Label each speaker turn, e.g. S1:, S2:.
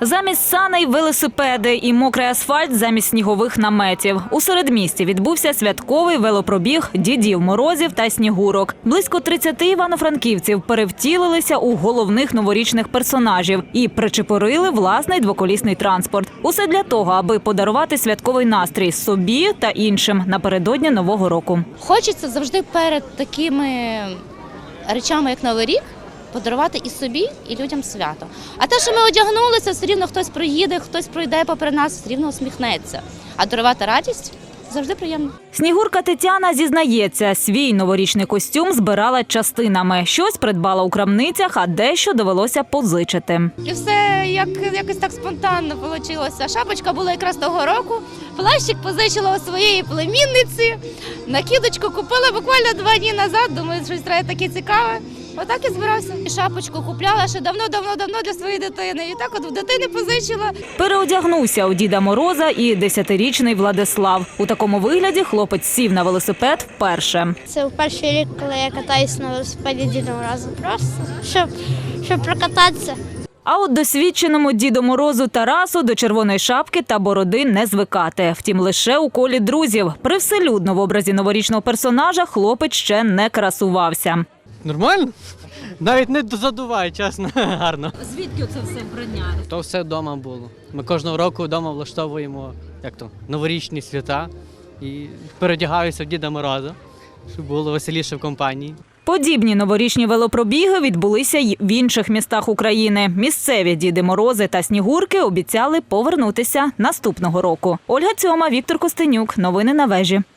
S1: Замість саней – велосипеди і мокрий асфальт замість снігових наметів. У середмісті відбувся святковий велопробіг Дідів Морозів та Снігурок. Близько 30 івано-франківців перевтілилися у головних новорічних персонажів і причепурили власний двоколісний транспорт. Усе для того, аби подарувати святковий настрій собі та іншим напередодні Нового року.
S2: Хочеться завжди перед такими речами, як Новий рік, подарувати і собі, і людям свято. А те, що ми одягнулися, все рівно хтось проїде, хтось пройде попри нас, все рівно усміхнеться. А дарувати радість завжди приємно.
S1: Снігурка Тетяна зізнається, свій новорічний костюм збирала частинами. Щось придбала у крамницях, а дещо довелося позичити.
S2: І все якось так спонтанно вийшло. Шапочка була якраз того року, плащик позичила у своєї племінниці, накидочку купила буквально 2 дні назад, думаю, щось треба таке цікаве. Отак і збирався. І шапочку купляла ще давно для своєї дитини. І так от в дитини позичила.
S1: Переодягнувся у Діда Мороза і 10-річний Владислав. У такому вигляді хлопець сів на велосипед вперше.
S3: Це перший рік, коли я катаюсь на велосипеді Діда Мороза. Просто, щоб прокататися.
S1: А от досвідченому Діду Морозу Тарасу до червоної шапки та бороди не звикати. Втім, лише у колі друзів. Привселюдно в образі новорічного персонажа хлопець ще не красувався.
S4: Нормально? Навіть не задуває, чесно, гарно.
S1: Звідки це все вбрання?
S4: То все вдома було. Ми кожного року вдома влаштовуємо новорічні свята і передягаюся в Діда Мороза, щоб було веселіше в компанії.
S1: Подібні новорічні велопробіги відбулися й в інших містах України. Місцеві Діди Морози та Снігурки обіцяли повернутися наступного року. Ольга Цьома, Віктор Костенюк. Новини на вежі.